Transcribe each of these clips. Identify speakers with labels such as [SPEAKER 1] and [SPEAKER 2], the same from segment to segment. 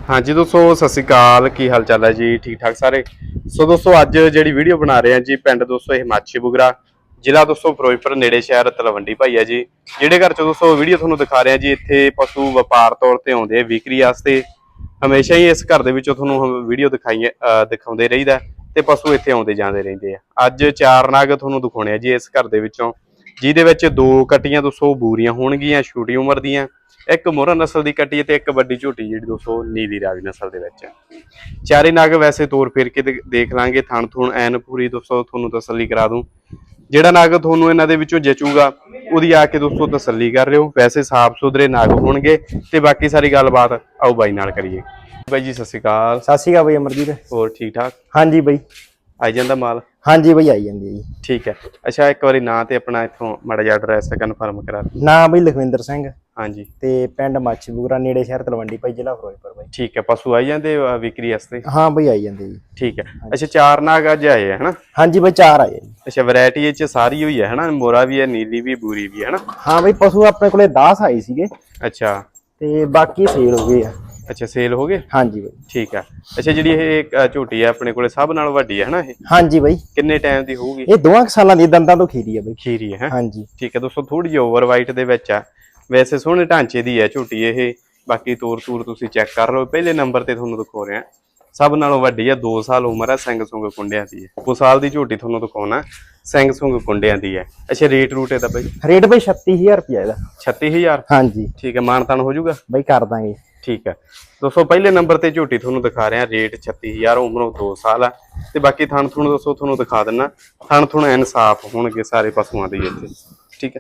[SPEAKER 1] हाँ जी दोस्तों सत श्री अकाल की हाल चाल है जी ठीक ठाक सारे। सो दोस्तों अज जी वीडियो बना रहे हैं जी पिंड दोस्तों हिमाची बुगरा जिला दोस्तों फिरोजपुर नेड़े शहर तलवंडी भाई है जी। जिहड़े घर चो दोस्तों वीडियो तुहानूं दिखा रहे हैं जी इत्थे पशु वपार तौर पर आउंदे विक्री वास्ते। हमेशा ही इस घर दे विचों तुहानूं वीडियो दिखाउंदे रहीदा ते पशु इत्थे आउंदे जांदे रहिंदे आ। अज 4 नाग तुहानूं दिखाउणे आ जी इस घर दे विचों जिहदे विच 2 कट्टियां दोस्तों बूरियां होणगीਆਂ छोटी उम्र दीयां। एक मोहरा नस्ल की कट्टी है एक वड्डी झोटी जी दोस्तों नीली रावी नस्ल के चारे नाग वैसे तोर फेर के देख लांगे थण थुण एन पूरी दोस्तों थोनों तसल्ली करा दूं। जिहड़ा नाग थोनों इन्हां दे विचों जचूगा उहदी आके दोस्तों तसल्ली कर लिओ। वैसे साफ सुथरे नाग होणगे ते बाकी सारी गलबात आओ बाई नाल करिए। बाई जी सत श्री अकाल।
[SPEAKER 2] सत श्री अकाल बई अमरजीत।
[SPEAKER 1] होर ठीक ठाक?
[SPEAKER 2] हाँ जी बई
[SPEAKER 1] आई जांदा माल?
[SPEAKER 2] हाँ जी बई आई जांदी जी।
[SPEAKER 1] ठीक है। अच्छा एक बारी नां ते अपना इत्थों माड़ा जिहा एड्रैस कन्फर्म करा दी।
[SPEAKER 2] नां बई लखविंदर सिंह
[SPEAKER 1] हाँ जी
[SPEAKER 2] ते पिंड माची बुगरा नेड़े शहर तलवंडी भाई जिला फिरोजपुर बई।
[SPEAKER 1] ठीक है। पशु आई जांदे विक्री वास्ते?
[SPEAKER 2] हाँ बई आई जांदे जी।
[SPEAKER 1] ठीक है। अच्छा 4 नाग अज आए है ना?
[SPEAKER 2] हाँ जी बई 4 आए जी।
[SPEAKER 1] अच्छा वैरायटी च सारी हुई है ना? मोरा भी है नीली भी बूरी भी है ना?
[SPEAKER 2] हाँ बई पशु अपने कोले 10 आए सीगे
[SPEAKER 1] अच्छा
[SPEAKER 2] ते बाकी सेल हो गए।
[SPEAKER 1] अच्छा सेल हो गए?
[SPEAKER 2] हाँ जी बई।
[SPEAKER 1] ठीक है। अच्छा जी ये झोटी है अपने कोले सब नाल वड्डी है ना?
[SPEAKER 2] हाँ जी बई।
[SPEAKER 1] किन्ने टाइम दी होगी?
[SPEAKER 2] ये 2 सालां दी दंदां तो खीरी है बई।
[SPEAKER 1] खीरी है?
[SPEAKER 2] हाँ जी।
[SPEAKER 1] ठीक है दोस्तों थोड़ी जी ओवर वाइट दे विच है। वैसे सोहणे ढांचे दी है झोटी ये। बाकी तूर तूर तुसीं चैक कर लो। पहले नंबर ते तुहानूं दिखा रहा सब नालों वड्डी है 2 साल उम्र है। सिंग सुंग कुंडियां दी है। 2 साल दी झोटी तुहानूं दिखाउणा सिंग सुंग कुंडियां दी है। अच्छा रेट रूट इहदा बई?
[SPEAKER 2] रेट बई 36000 रुपया इहदा।
[SPEAKER 1] 36000?
[SPEAKER 2] हाँ जी।
[SPEAKER 1] ठीक है मानतान हो जाऊगा
[SPEAKER 2] बई कर दांगे।
[SPEAKER 1] ठीक है दोस्तों पहले नंबर ते झोटी तुहानूं दिखा रहे हैं रेट 36000 उम्रों 2 साल है ते बाकी थण थुण दोस्तों तुहानूं दिखा दिना थण थुण एन साफ होणगे सारे पशुआं दे इत्थे। ठीक है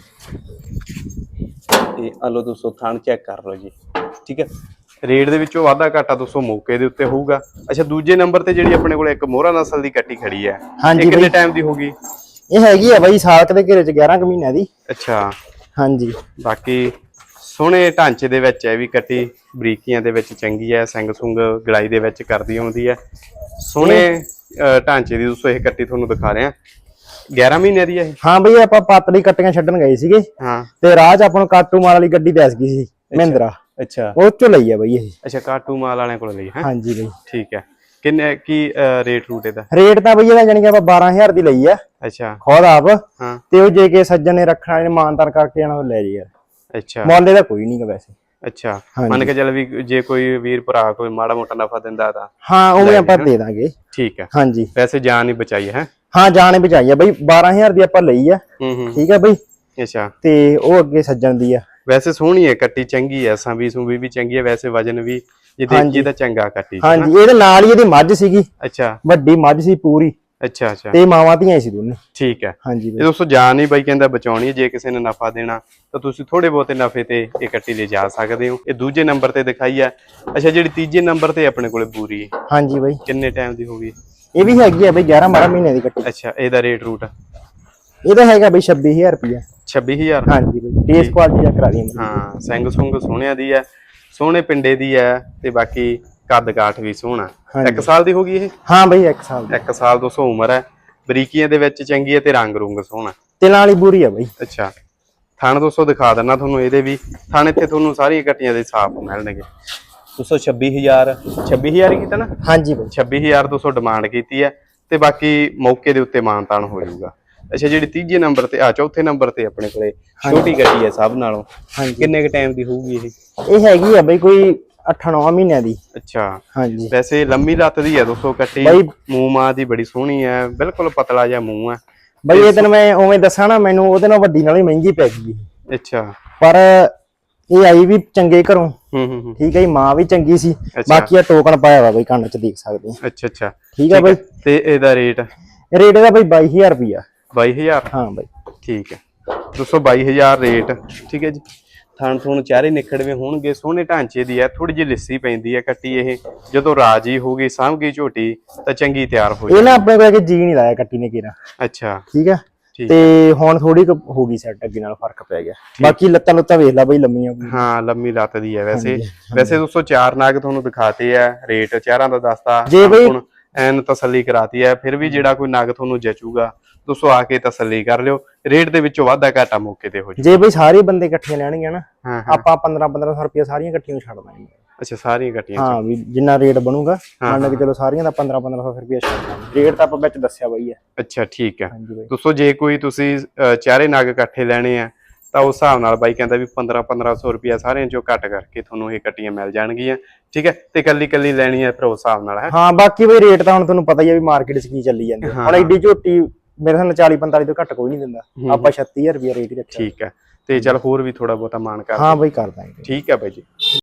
[SPEAKER 1] ते आलो दोस्तों थण चेक कर लो जी। ठीक है रेट दे विचों वाधा घाटा दोस्तों मौके दे उत्ते होऊगा। अच्छा दूजे नंबर ते जिहड़ी अपने कोल एक मोहरा नस्ल दी कट्टी खड़ी है
[SPEAKER 2] हाँ जी
[SPEAKER 1] कितने टाइम दी होगी?
[SPEAKER 2] ये हैगी है बई साल के घेरे च 11 महीने दी।
[SPEAKER 1] अच्छा
[SPEAKER 2] हाँ जी।
[SPEAKER 1] बाकी सोहणे ढांचे दे विच है भी कट्टी बरीकियां दे विच चंगी है। सिंग सुंग गलाई दे विच करदी आउंदी है। सोहणे ढांचे दी दोस्तों ये कट्टी तुहानूं दिखा रहे हैं 11 महीने दी है।
[SPEAKER 2] हाँ बई आपां पातली कट्टियां छड्डण गए सीगे
[SPEAKER 1] हाँ
[SPEAKER 2] ते राह च आपां नूं काटू माल वाली गड्डी दस गई सी महिंद्रा
[SPEAKER 1] अच्छा
[SPEAKER 2] ਉਹ ਚੋਂ ਲਈ ਆ ਬਈ ਇਹ।
[SPEAKER 1] अच्छा काटू माल वाले कोल लई है?
[SPEAKER 2] ਹਾਂਜੀ ਬਈ।
[SPEAKER 1] ठीक है किन्ने की रेट रूट ਇਹਦਾ?
[SPEAKER 2] ਰੇਟ ਤਾਂ ਬਈ ਇਹਦਾ ਜਾਨੀ ਕਿ ਆਪਾਂ 12000 ਦੀ ਲਈ ਆ।
[SPEAKER 1] अच्छा
[SPEAKER 2] ਖੁਦ ਆਪ
[SPEAKER 1] हाँ
[SPEAKER 2] ਤੇ ਉਹ ਜੇ ਕੇ ਸੱਜਣ ਨੇ ਰੱਖਣਾ ਇਹਨੇ ਮਾਨਤਾਨ ਕਰਕੇ ਜਾਣਾ ਉਹ ਲੈ ਜੀ ਯਾਰ।
[SPEAKER 1] अच्छा
[SPEAKER 2] ਮੁੱਲ ਇਹਦਾ ਕੋਈ ਨਹੀਂਗਾ ਵੈਸੇ।
[SPEAKER 1] अच्छा
[SPEAKER 2] हाँ
[SPEAKER 1] मन
[SPEAKER 2] जी।
[SPEAKER 1] के चल भी जे कोई वीर भरा कोई माड़ा मोटा नफा दिंदा ਤਾਂ
[SPEAKER 2] ਹਾਂ ਉਵੇਂ
[SPEAKER 1] ਲੈ
[SPEAKER 2] ਆਪਾਂ
[SPEAKER 1] ਜੀ,
[SPEAKER 2] ਦੇ ਦਾਂਗੇ।
[SPEAKER 1] ठीक है।
[SPEAKER 2] ਹਾਂਜੀ
[SPEAKER 1] वैसे जान ही बचाई है?
[SPEAKER 2] ਹਾਂ ਜਾਣੇ ਬਚਾਈ ਆ ਬਈ 12000 ਦੀ ਆਪਾਂ ਲਈ ਆ। ਠੀਕ ਆ ਬਈ।
[SPEAKER 1] अच्छा
[SPEAKER 2] ਤੇ ਉਹ ਅੱਗੇ ਸੱਜਣ ਦੀ ਆ।
[SPEAKER 1] वैसे सोहनी है कट्टी चंगी है संभी सुभी भी चंगी है वैसे वजन भी ये देखिए ਤਾਂ ਚੰਗਾ कट्टी।
[SPEAKER 2] ਹਾਂਜੀ ਇਹਦੇ ਨਾਲ ਹੀ ਇਹਦੀ ਮੱਝ ਸੀਗੀ
[SPEAKER 1] अच्छा
[SPEAKER 2] ਵੱਡੀ ਮੱਝ ਸੀ ਪੂਰੀ
[SPEAKER 1] अच्छा अच्छा
[SPEAKER 2] ਤੇ ਮਾਵਾਂ ਧੀਆਂ ਸੀ ਦੋਨੇ।
[SPEAKER 1] ठीक है।
[SPEAKER 2] ਹਾਂਜੀ
[SPEAKER 1] ਇਹ
[SPEAKER 2] ਬਈ।
[SPEAKER 1] ਦੋਸਤੋ ਜਾਨ ਹੀ ਬਾਈ ਕਹਿੰਦਾ ਬਚਾਉਣੀ ਹੈ। ਜੇ ਕਿਸੇ ਨੇ ਨਫਾ ਦੇਣਾ ਤਾਂ ਤੁਸੀਂ ਥੋੜੇ ਬਹੁਤੇ ਨਫੇ ਤੇ ਇਹ ਕੱਟੀ ਲੈ ਜਾ ਸਕਦੇ ਹੋ। ਇਹ ਦੂਜੇ ਨੰਬਰ ਤੇ ਦਿਖਾਈ ਹੈ। ਅੱਛਾ ਜਿਹੜੀ ਤੀਜੇ ਨੰਬਰ ਤੇ ਆਪਣੇ ਕੋਲੇ ਬੂਰੀ ਹੈ
[SPEAKER 2] ਹਾਂਜੀ ਬਈ
[SPEAKER 1] ਕਿੰਨੇ ਟਾਈਮ ਦੀ ਹੋਗੀ?
[SPEAKER 2] ਇਹ ਵੀ ਹੈਗੀ ਆ ਬਈ 11-12 ਮਹੀਨੇ ਦੀ ਕੱਟੀ।
[SPEAKER 1] ਅੱਛਾ ਇਹਦਾ ਰੇਟ ਰੂਟ?
[SPEAKER 2] ਇਹਦਾ ਹੈਗਾ ਬਈ 26000 ਰੁਪਇਆ।
[SPEAKER 1] 26000?
[SPEAKER 2] ਹਾਂਜੀ ਬਈ ਫੇਸ ਕੁਆਲਿਟੀ ਦਾ ਕਰਾ ਦੀ।
[SPEAKER 1] ਹਾਂ ਸਿੰਘ ਸੁੰਗ ਸੋਹਣਿਆਂ ਦੀ ਹੈ ਸੋਹਣੇ ਪਿੰਡੇ ਦੀ ਹੈ ਤੇ ਬਾਕੀ ਕੱਦ ਕਾਠ ਵੀ ਸੋਹਣਾ। 1 ਸਾਲ ਦੀ ਹੋਗੀ ਇਹ?
[SPEAKER 2] ਹਾਂ ਬਈ 1 ਸਾਲ ਦੀ।
[SPEAKER 1] 1 ਸਾਲ 200 ਉਮਰ ਹੈ। ਬਰੀਕੀਆਂ ਦੇ ਵਿੱਚ ਚੰਗੀ ਹੈ ਤੇ ਰੰਗ ਰੁੰਗ ਸੋਹਣਾ
[SPEAKER 2] ਤੇ ਨਾਲ ਹੀ ਬੂਰੀ ਆ ਬਈ।
[SPEAKER 1] ਅੱਛਾ ਥਣ ਦੋਸਤੋ ਦਿਖਾ ਦਿੰਨਾ ਤੁਹਾਨੂੰ ਇਹਦੇ ਵੀ ਥਣ ਇੱਥੇ ਤੁਹਾਨੂੰ ਸਾਰੀਆਂ ਕੱਟੀਆਂ ਦੇ ਸਾਫ਼ ਮਿਲਣਗੇ। 226,000 26000 ਕੀਤਾ ਨਾ?
[SPEAKER 2] ਹਾਂਜੀ ਬਈ
[SPEAKER 1] 26200 ਡਿਮਾਂਡ ਕੀਤੀ ਹੈ ਤੇ ਬਾਕੀ ਮੌਕੇ ਦੇ ਉੱਤੇ ਮਾਨਤਾਨ ਹੋ ਜਾਊਗਾ। ਅੱਛਾ ਜਿਹੜੀ ਤੀਜੇ ਨੰਬਰ ਤੇ ਚੌਥੇ ਨੰਬਰ ਤੇ ਆਪਣੇ ਕੋਲੇ ਛੋਟੀ ਗੱਡੀ ਹੈ ਸਭ ਨਾਲੋਂ ਕਿੰਨੇ ਕ ਟਾਈਮ ਦੀ ਹੋਊਗੀ ਇਹ?
[SPEAKER 2] ਇਹ ਹੈਗੀ ਆ ਬਈ ਕੋਈ 8-9 ਮਹੀਨਿਆਂ ਦੀ।
[SPEAKER 1] ਅੱਛਾ
[SPEAKER 2] ਹਾਂਜੀ
[SPEAKER 1] ਵੈਸੇ ਲੰਮੀ ਲੱਤ ਦੀ ਹੈ ਦੋਸਤੋ ਕੱਟੀ ਮੂੰਹ ਮਾਂ ਦੀ ਬੜੀ ਸੋਹਣੀ ਹੈ ਬਿਲਕੁਲ ਪਤਲਾ ਜਿਹਾ ਮੂੰਹ ਹੈ
[SPEAKER 2] ਬਈ ਇਹ ਦਿਨ ਮੈਂ ਉਵੇਂ ਦੱਸਾਂ ਨਾ ਮੈਨੂੰ ਉਹਦੇ ਨਾਲ ਵੱਡੀ ਨਾਲ ਹੀ ਮਹਿੰਗੀ ਪੈ ਗਈ।
[SPEAKER 1] ਅੱਛਾ
[SPEAKER 2] ਪਰ ਇਹ ਆਈ ਵੀ ਚੰਗੇ ਘਰੋਂ। ਠੀਕ ਹੈ ਜੀ ਮਾਂ ਵੀ ਚੰਗੀ ਸੀ। ਬਾਕੀ ਆ ਟੋਕਨ ਪਾਇਆ ਵਾ ਬਈ ਕੰਨ ਚ ਦੇਖ ਸਕਦੇ ਆ।
[SPEAKER 1] ਅੱਛਾ ਅੱਛਾ
[SPEAKER 2] ਠੀਕ ਹੈ ਬਈ।
[SPEAKER 1] ਤੇ ਇਹਦਾ ਰੇਟ?
[SPEAKER 2] ਰੇਟ ਇਹਦਾ ਬਈ 22000 ਰੁਪਇਆ।
[SPEAKER 1] 22000? ਹਾਂ
[SPEAKER 2] ਬਈ
[SPEAKER 1] ਠੀਕ ਹੈ ਦੋਸਤੋ 22000 ਰੇਟ। ਠੀਕ ਹੈ ਜੀ ਥਣ ਥੁਣ ਚਾਰੇ ਨਿਖੜਵੇਂ ਹੋਣਗੇ ਸੋਹਣੇ ਢਾਂਚੇ ਦੀ ਹੈ ਥੋੜੀ ਜਿਹੀ ਲਿੱਸੀ ਪੈਂਦੀ ਹੈ ਕੱਟੀ ਇਹ ਜਦੋਂ ਰਾਜੀ ਹੋ ਗਈ ਸਾਂਭ ਗਈ ਝੋਟੀ ਤਾਂ ਚੰਗੀ ਤਿਆਰ ਹੋ
[SPEAKER 2] ਇਹ ਨਾ ਆਪਣੇ ਕੋਲ ਜੀ ਨਹੀਂ ਲਾਇਆ ਕੱਟੀ ਨੇ ਕਿਰਾ।
[SPEAKER 1] ਅੱਛਾ
[SPEAKER 2] ਠੀਕ ਹੈ ਤੇ ਹੁਣ ਥੋੜੀ ਹੋ ਗਈ ਸੈੱਟ ਅੱਗੇ ਨਾਲ ਫਰਕ ਪੈ ਗਿਆ। ਬਾਕੀ ਲੱਤਾਂ ਲੁੱਤਾਂ ਵੇਖ ਲੈ ਬਈ ਲੰਮੀਆਂ।
[SPEAKER 1] ਹਾਂ ਲੰਮੀ ਲੱਤ ਦੀ ਹੈ ਵੈਸੇ। ਵੈਸੇ ਦੋਸਤੋ 4 ਨਾਗ ਤੁਹਾਨੂੰ ਦਿਖਾਤੇ ਆ ਰੇਟ ਚਾਰਾਂ ਦਾ ਦੱਸਤਾ
[SPEAKER 2] ਜੇ ਬਈ
[SPEAKER 1] ਐਨ ਤਸੱਲੀ ਕਰਾਤੀ ਹੈ। ਫਿਰ ਵੀ ਜਿਹੜਾ ਕੋਈ ਨਾਗ ਤੁਹਾਨੂੰ ਜਚੂਗਾ ਦੋਸਤੋ ਆ ਕੇ ਤਸੱਲੀ ਕਰ ਲਿਓ। ਰੇਟ ਦੇ ਵਿੱਚੋਂ ਵਾਧਾ ਘਾਟਾ ਮੌਕੇ ਤੇ ਹੋ ਜਾਊ।
[SPEAKER 2] ਜੇ ਬਈ ਸਾਰੇ ਬੰਦੇ ਇਕੱਠੀਆਂ ਲੈਣਗੇ ਨਾ ਆਪਾਂ 1500 ਰੁਪਏ ਸਾਰੀਆਂ ਇਕੱਠੀਆਂ ਛੱਡ ਦਾਂਗੇ।
[SPEAKER 1] ਅੱਛਾ ਸਾਰੀਆਂ ਕੱਟੀਆਂ
[SPEAKER 2] ਹਾਂ ਵੀ ਜਿੰਨਾ ਰੇਟ ਬਣੂਗਾ ਮੰਨ ਕੇ ਚਲੋ ਸਾਰੀਆਂ ਦਾ 1500 ਰੁਪਏ ਛੱਡ ਰੇਟ ਤਾਂ ਆਪਾਂ ਵਿੱਚ ਦੱਸਿਆ ਬਾਈ ਹੈ।
[SPEAKER 1] ਅੱਛਾ ਠੀਕ ਹੈ
[SPEAKER 2] ਹਾਂਜੀ ਬਾਈ।
[SPEAKER 1] ਦੋਸਤੋ ਜੇ ਕੋਈ ਤੁਸੀਂ ਚਾਰੇ ਨਗ ਇਕੱਠੇ ਲੈਣੇ ਆ ਤਾਂ ਉਸ ਹਿਸਾਬ ਨਾਲ ਬਾਈ ਕਹਿੰਦਾ ਵੀ 1500 ਰੁਪਇਆ ਸਾਰਿਆਂ ਚੋਂ ਘੱਟ ਕਰਕੇ ਤੁਹਾਨੂੰ ਇਹ ਕੱਟੀਆਂ ਮਿਲ ਜਾਣਗੀਆਂ। ਠੀਕ ਹੈ ਤੇ ਕੱਲੀ ਲੈਣੀ ਹੈ ਫਿਰ ਉਸ ਹਿਸਾਬ ਨਾਲ ਹੈ।
[SPEAKER 2] ਹਾਂ ਬਾਕੀ ਬਈ ਰੇਟ ਤਾਂ ਹੁਣ ਤੁਹਾਨੂੰ ਪਤਾ ਹੀ ਹੈ ਵੀ ਮਾਰਕੀਟ 'ਚ ਕੀ ਚੱਲੀ ਜਾਂਦੀ ਹੈ। ਹੁਣ ਐਡੀ ਝੋਟੀ ਮੇਰੇ ਨਾਲ 40-45 ਤੋਂ ਘੱਟ ਕੋਈ ਨਹੀਂ ਦਿੰਦਾ, ਆਪਾਂ 36000 ਰੁਪਇਆ ਰੇਟ ਹੀ ਰੱਖਿਆ।
[SPEAKER 1] ਠੀਕ ਹੈ ਤੇ ਚਲ ਹੋਰ ਵੀ ਥੋੜਾ ਬਹੁਤਾ ਮਾਨ ਕਰ
[SPEAKER 2] ਹਾਂ ਬਈ ਕਰ ਦਾਂਗੇ।
[SPEAKER 1] ਠੀਕ ਹੈ ਬਾਈ ਜੀ।